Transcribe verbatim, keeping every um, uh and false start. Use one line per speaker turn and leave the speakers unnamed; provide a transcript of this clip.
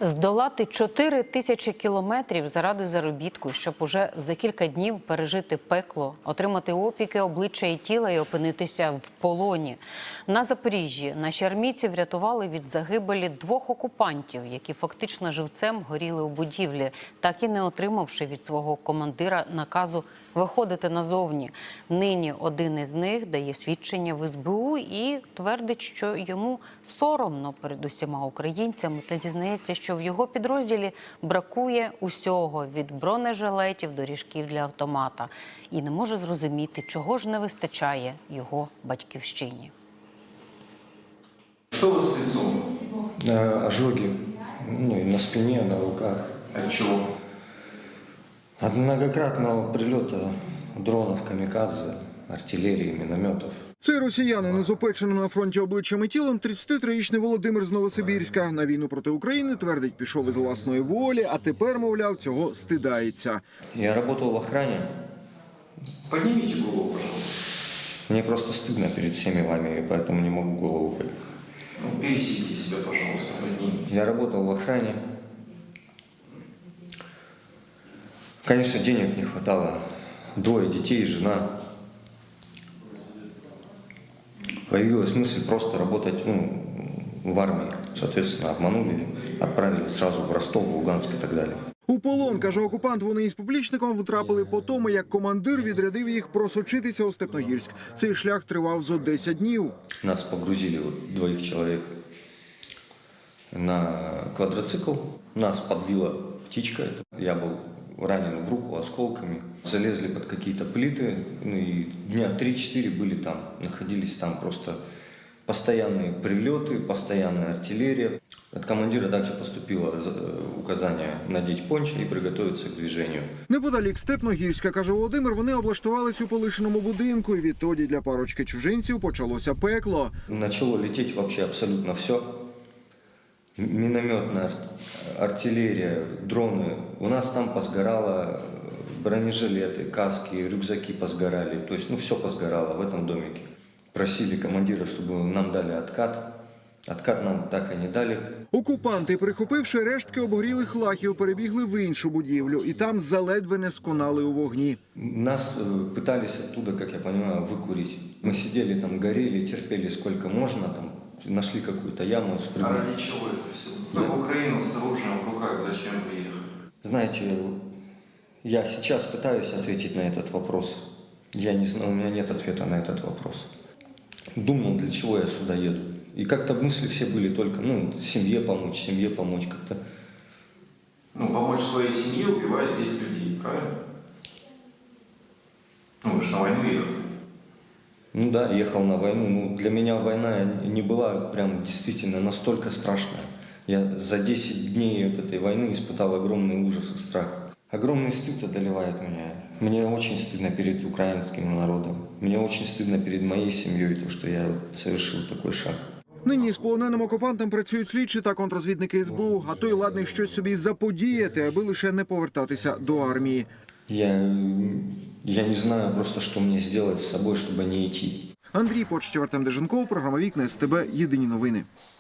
Здолати чотири тисячі кілометрів заради заробітку, щоб уже за кілька днів пережити пекло, отримати опіки обличчя і тіла і опинитися в полоні. На Запоріжжі наші армійці врятували від загибелі двох окупантів, які фактично живцем горіли у будівлі, так і не отримавши від свого командира наказу виходити назовні. Нині один із них дає свідчення в ес бе у і твердить, що йому соромно перед усіма українцями та зізнається, що в його підрозділі бракує усього – від бронежилетів до ріжків для автомата. І не може зрозуміти, чого ж не вистачає його батьківщині.
Что у вас с лицом?
Ожоги, ну и на спине, на руках.
От чего?
От многократного прилета дронов, камикадзе, артиллерии, минометов.
Це росіянин із опеченим на фронті обличчям і тілом тридцятитрирічний Володимир з Новосибірська. На війну проти України, твердить, пішов із власної волі, а тепер, мовляв, цього стидається.
Я работал в охране.
Поднимите голову, пожалуйста.
Мне просто стыдно перед всеми вами, и поэтому не могу голову поднять.
Ну, пересидите себя, пожалуйста, поднимите.
Я работал в охране. Конечно, денег не хватало. Двое детей, жена. Появилась мысль просто работать ну, в армии. Соответственно, обманули, отправили сразу в Ростов, в Луганск и так далее.
У полон, каже окупант, вони із поплічником втрапили по тому, як командир відрядив їх просочитися у Степногірськ. Цей шлях тривав зо десять днів.
Нас погрузили, вот, двоих человек, на квадроцикл. Нас подбила птичка. Я был ранен в руку осколками. Залезли под какие-то плиты. Ну и дня три-четыре были там. Находились там просто постоянные прилеты, постоянная артиллерия. От командира также поступило указание надеть пончо и приготовиться к движению.
Неподалік Степногірська, каже Володимир, вони облаштувались у полишеному будинку. І відтоді для парочки чужинців почалося пекло.
Начало лететь вообще абсолютно все. Минометная артиллерия, дроны. У нас там посгорало бронежилеты, каски, рюкзаки посгорали. То есть, ну, все посгорало в этом домике. Просили командира, чтобы нам дали откат. Откат нам так і не дали.
Окупанти, прихопивши рештки обгорілих лахів, перебігли в іншу будівлю. І там заледве не сконали у вогні.
Нас пытались оттуда, как я понимаю, выкурить. Мы сидели там, горели, терпели сколько можно. Там, нашли какую-то яму.
А ради чего это все? Вы в Украину с оружием в руках зачем приехали?
Знаете, я сейчас пытаюсь ответить на этот вопрос. Я не знаю, у меня нет ответа на этот вопрос. Думал, для чего я сюда еду. И как-то мысли все были только, ну, семье помочь, семье помочь как-то.
Ну, помочь своей семье, убивая здесь людей, правильно? Ну, вы же на войну ехали.
Ну да, ехал на войну. Ну, для меня война не была прям действительно настолько страшная. Я за десять дней от этой войны испытал огромный ужас и страх. Огромный стыд одолевает меня. Мне очень стыдно перед украинским народом. Мне очень стыдно перед моей семьей, то, что я совершил такой шаг.
Нині з полоненим окупантом працюють слідчі та контрозвідники ес бе у, а той ладний щось собі заподіяти, аби лише не повертатися до армії.
Я, я не знаю просто, что мне сделать с собой, чтобы не идти.
Андрій Почтєв, Артем Деженков, програма «Вікна ес те бе», єдині новини.